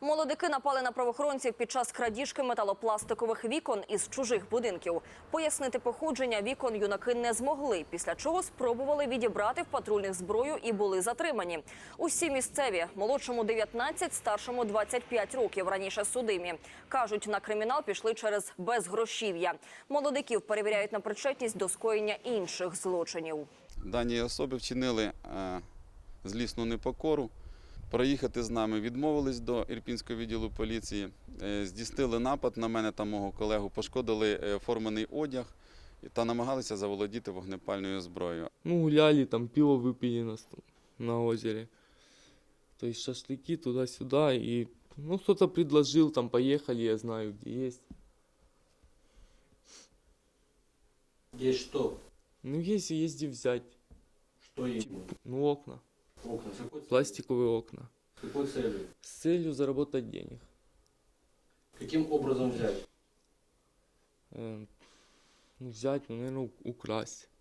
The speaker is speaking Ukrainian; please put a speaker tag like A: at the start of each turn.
A: Молодики напали на правоохоронців під час крадіжки металопластикових вікон із чужих будинків. Пояснити походження вікон юнаки не змогли, після чого спробували відібрати в патрульних зброю і були затримані. Усі місцеві, молодшому 19, старшому 25 років, раніше судимі. Кажуть, на кримінал пішли через безгрошів'я. Молодиків перевіряють на причетність до скоєння інших злочинів.
B: Дані особи вчинили злісну непокору. Проїхати з нами відмовились до Ірпінського відділу поліції, здійснили напад на мене та мого колегу, пошкодили формений одяг та намагалися заволодіти вогнепальною зброєю.
C: Гуляли, там пиво выпили на озере. То есть шашлыки туда-сюда. И, кто-то предложил, там поехали, я знаю, где есть.
D: Есть что?
C: Есть где взять.
D: Что именно?
C: Окна.
D: Окна. С какой целью?
C: Пластиковые окна.
D: С какой целью?
C: С целью заработать денег.
D: Каким образом взять?
C: Взять, наверное, украсть.